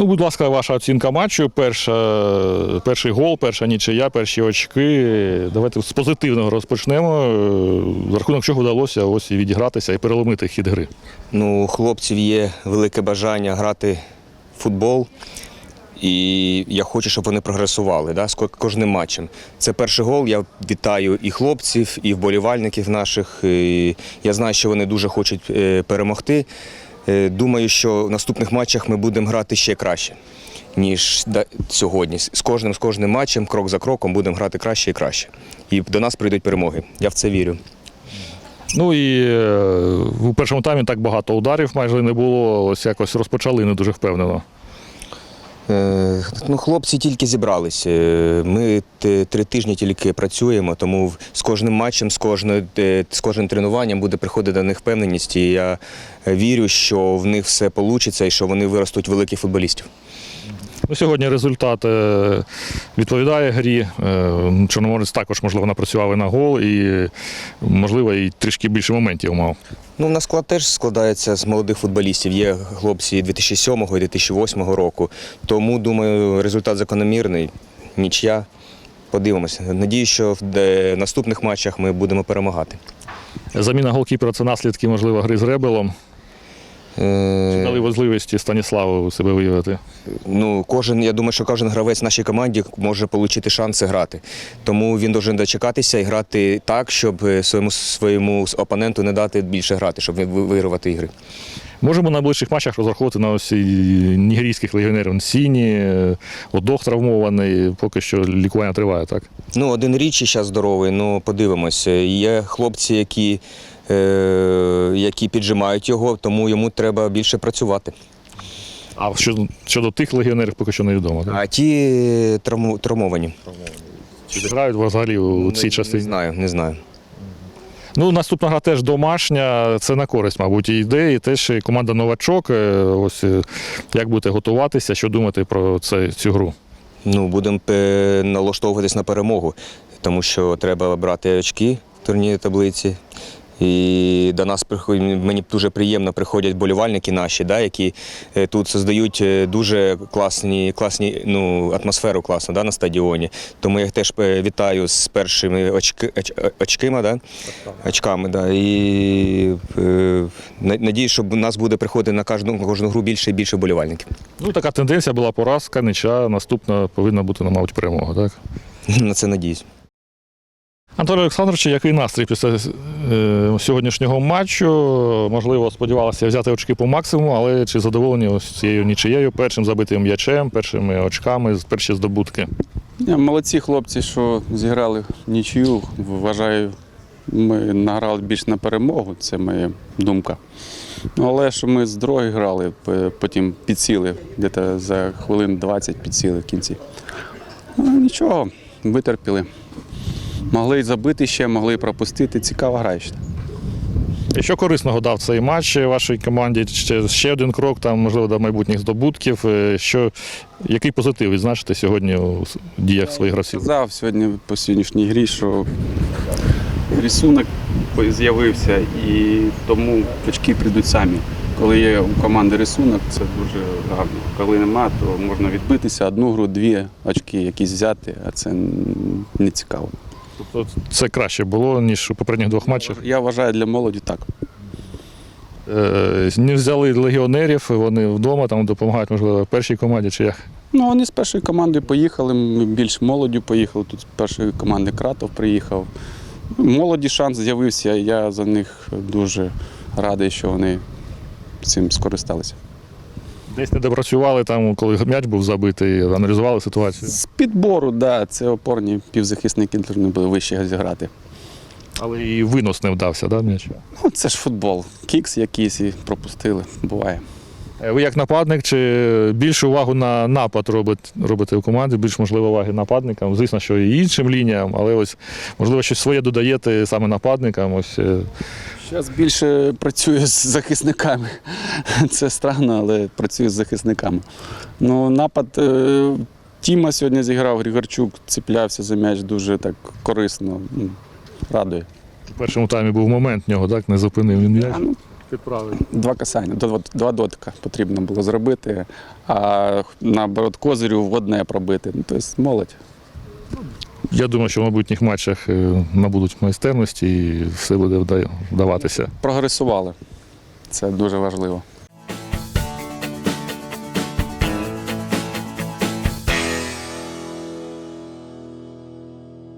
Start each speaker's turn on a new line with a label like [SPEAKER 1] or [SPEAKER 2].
[SPEAKER 1] Ну, будь ласка, ваша оцінка матчу. Перший гол, перша нічия, перші очки. Давайте з позитивного розпочнемо. За рахунок чого вдалося ось і відігратися і переломити хід гри.
[SPEAKER 2] Ну, у хлопців є велике бажання грати в футбол. І я хочу, щоб вони прогресували з кожним матчем. Це перший гол. Я вітаю і хлопців, і вболівальників наших. І я знаю, що вони дуже хочуть перемогти. Думаю, що в наступних матчах ми будемо грати ще краще, ніж сьогодні. З кожним матчем, крок за кроком, будемо грати краще і краще. І до нас прийдуть перемоги. Я в це вірю.
[SPEAKER 1] Ну і у першому таймі так багато ударів майже не було. Ось якось розпочали не дуже впевнено.
[SPEAKER 2] Ну, хлопці тільки зібралися. Ми 3 тижні тільки працюємо, тому з кожним матчем, з кожним тренуванням буде приходити до них впевненість. І я вірю, що в них все вийде і що вони виростуть великих футболістів.
[SPEAKER 1] Ну, сьогодні результат відповідає грі. Чорноморець також, можливо, напрацював і на гол, і, можливо, і трішки більше моментів мав.
[SPEAKER 2] Ну, у нас склад теж складається з молодих футболістів. Є хлопці 2007 і 2008 року. Тому, думаю, результат закономірний. Нічия. Подивимося. Надію, що в наступних матчах ми будемо перемагати.
[SPEAKER 1] Заміна голкіпера – це наслідки, можливо, гри з Ребелом. Чи дали можливості Станіславу себе виявити?
[SPEAKER 2] Ну, я думаю, що кожен гравець в нашій команді може отримати шанси грати. Тому він повинен дочекатися і грати так, щоб своєму опоненту не дати більше грати, щоб вигравати ігри.
[SPEAKER 1] Можемо на найближчих матчах розраховувати на ось нігерійських легіонерів. Сіні, Одох травмований, поки що лікування триває, так?
[SPEAKER 2] Ну, один Річі зараз здоровий, ну подивимося. Є хлопці, які піджимають його, тому йому треба більше працювати.
[SPEAKER 1] А щодо тих легіонерів поки що невідомо, так?
[SPEAKER 2] А ті травмовані.
[SPEAKER 1] Чи зіграють взагалі у цій частині?
[SPEAKER 2] Не знаю.
[SPEAKER 1] Ну, наступна гра теж домашня, це на користь, мабуть, і йде, і теж команда «Новачок». Ось як будете готуватися, що думати про цю гру? Ну,
[SPEAKER 2] будемо налаштовуватись на перемогу, тому що треба брати очки в турнірній таблиці. І до нас мені дуже приємно приходять болівальники наші, які тут створюють дуже класну атмосферу класну на стадіоні. Тому я їх теж вітаю з першими очками. І надію, що у нас буде приходити на кожну гру більше і більше болівальників.
[SPEAKER 1] Ну, така тенденція була поразка, нічия, наступна повинна бути, мабуть, перемога, так?
[SPEAKER 2] На це надіюсь.
[SPEAKER 1] Антон Олександрович, який настрій після сьогоднішнього матчу? Можливо, сподівалися взяти очки по максимуму, але чи задоволені ось цією нічиєю, першим забитим м'ячем, першими очками, перші здобутки?
[SPEAKER 3] Молодці хлопці, що зіграли нічию. Вважаю, ми награли більш на перемогу, це моя думка. Але що ми з другої грали, потім підсіли, десь за хвилин 20 підсіли в кінці. Нічого, витерпіли. Могли й забити ще, могли й пропустити. Цікава гра ще.
[SPEAKER 1] І що корисного дав цей матч вашій команді? Ще один крок, там, можливо, до майбутніх здобутків. Який позитив відзначити сьогодні у діях своїх гравців?
[SPEAKER 3] Я сказав сьогодні по сьогоднішній грі, що рисунок з'явився і тому очки прийдуть самі. Коли є у команди рисунок, це дуже гарно. Коли нема, то можна відбитися, одну гру, 2 очки якісь взяти, а це не цікаво.
[SPEAKER 1] Тобто це краще було, ніж у попередніх 2 матчах?
[SPEAKER 3] Я вважаю, для молоді так.
[SPEAKER 1] Не взяли легіонерів, вони вдома там допомагають, можливо, першій команді чи як?
[SPEAKER 3] Ну, вони з першої команди поїхали, ми більш молоддю поїхали, тут з першої команди Кратов приїхав. Молоді шанс з'явився, я за них дуже радий, що вони цим скористалися.
[SPEAKER 1] Десь не допрацювали, там, коли м'яч був забитий, аналізували ситуацію?
[SPEAKER 3] З підбору, так, да, це опорні півзахисники повинні були вище зіграти.
[SPEAKER 1] Але і винос не вдався, да, м'яч?
[SPEAKER 3] Ну, це ж футбол. Кікс якийсь і пропустили, буває.
[SPEAKER 1] Ви як нападник, чи більшу увагу на напад робите у команді, більш, можливо, уваги нападникам? Звісно, що і іншим лініям, але ось, можливо, щось своє додаєте саме нападникам? Ось.
[SPEAKER 3] Зараз більше працюю з захисниками. Це странно, але працюю з захисниками. Ну, напад Тіма сьогодні зіграв, Григорчук цеплявся за м'яч дуже так корисно, радує.
[SPEAKER 1] У першому таймі був момент в нього, так? Не зупинив він м'яч. підправити.
[SPEAKER 3] Два касання, два дотика потрібно було зробити, а наоборот козирю в одне пробити. Ну, тобто молодь.
[SPEAKER 1] Я думаю, що в майбутніх матчах набудуть майстерності і все буде вдаватися.
[SPEAKER 3] Прогресували. Це дуже важливо.